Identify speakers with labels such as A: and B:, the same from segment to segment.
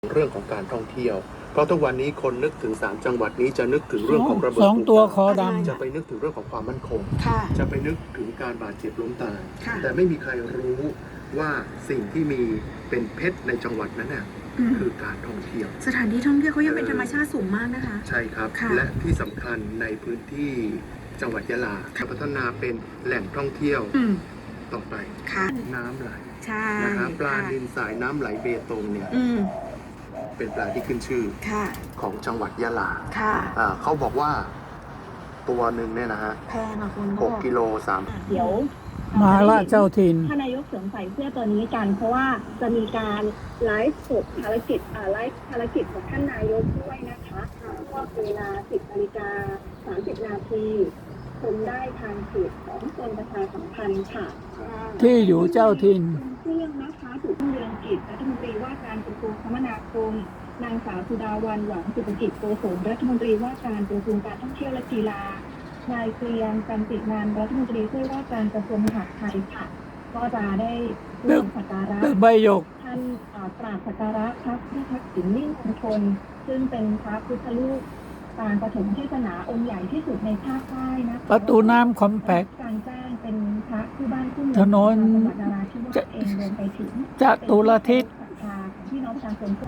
A: เรื่องของการท่องเที่ยวเพราะทุกวันนี้คนนึกถึง3จังหวัดนี้จะนึกถึงเรื่องของระเบิด
B: สองตัวคอด
A: จะไปนึกถึงเรื่องของความมั่นคง
C: ค่ะ
A: จะไปนึกถึงการบาดเจ็บล้มตาย
C: ค่ะ
A: แต่ไม่มีใครรู้ว่าสิ่งที่มีเป็นเพชรในจังหวัดนั้นน่ะคือการท่องเที่ยว
C: สถานที่ท่องเที่ยวเขายังเป็นธรรมชาติสูงมากนะคะ
A: ใช่ครับ
C: ค่ะ
A: และที่สำคัญในพื้นที่จังหวัดยะลาจะพัฒนาเป็นแหล่งท่องเที่ยว
C: อืม
A: ต่อไป
C: ค่ะ
A: น้ำไหล
C: ใช่
A: นะครับปลา
C: ค่ะ
A: นิลสายน้ำไหลเบตงเนี่ย
C: อืม
A: เป็นปลาที่ขึ้นชื่อ
C: ค่ะ
A: ของจังหวัดยะลา
C: ค่ะ
A: เขาบอกว่าตัวหนึ่งเนี่ยนะฮะ
C: แพงอ่ะคุณ
A: 6 กิโล
D: เดี๋ยว
B: มาล่าเจ้าถิ่น
D: ท่านนายกสวมใส่เสื้อตัวนี้กัน เพราะว่าจะมีการไลฟ์สดภารกิจไลฟ์ภารกิจของท่านนายกด้วยนะคะก็เวลา 10 นาฬิกา 30 นาทีชมได้ทางเพจของกรมประชาสัมพันธ์ค่ะ
B: ที่อยู่เจ้าถิ่น
D: เครื่องนะคะถูกเรืองกิจรัฐมนตรีว่าการกระทรวงคมนาคมนางสาวสุดาวันหวังสุภกิจโกศลรัฐมนตรีว่าการกระทรวงการท่องเที่ยวและกีฬานายเกรียงจันติงานรัฐมนตรีช่วยว่าการกระทรวงมหาดไทยค่ะ ก็จะได้ร่วมสักการะ
B: ตึกใบหยก
D: ท่านกราบสักการะพระพุทธทักษิณมิ่งมงคลซึ่งเป็นพระพุทธรูปปางปฐมเทศนาองค์ใหญ่ที่สุดในภาคใต้นะคะ
B: ประตูน้ำคอมแพค
D: การแจ้งเป็นพระคู่บ้านคู่เมือง
B: ถนน
D: จังหวัดนราธิวาสเองรวมไปถึง
B: จตุรทิศ
D: ศรัทธาของพี่น้องประชาชน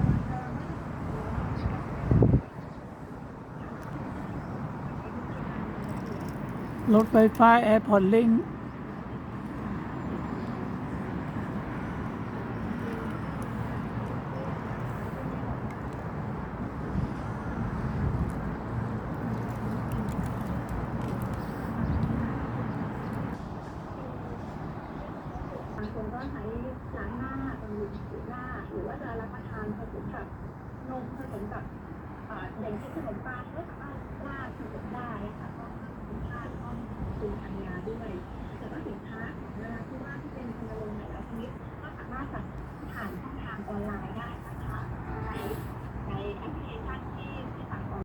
B: รถไฟฟ้าแอร์พอร์ตลิงก์
D: บางคนก็ใช้ล้างหน้าบำรุงผิวหน้าหรือว่าจะรับประทานผสมกับนมผสมกับอย่างเช่นขนมปังหรือ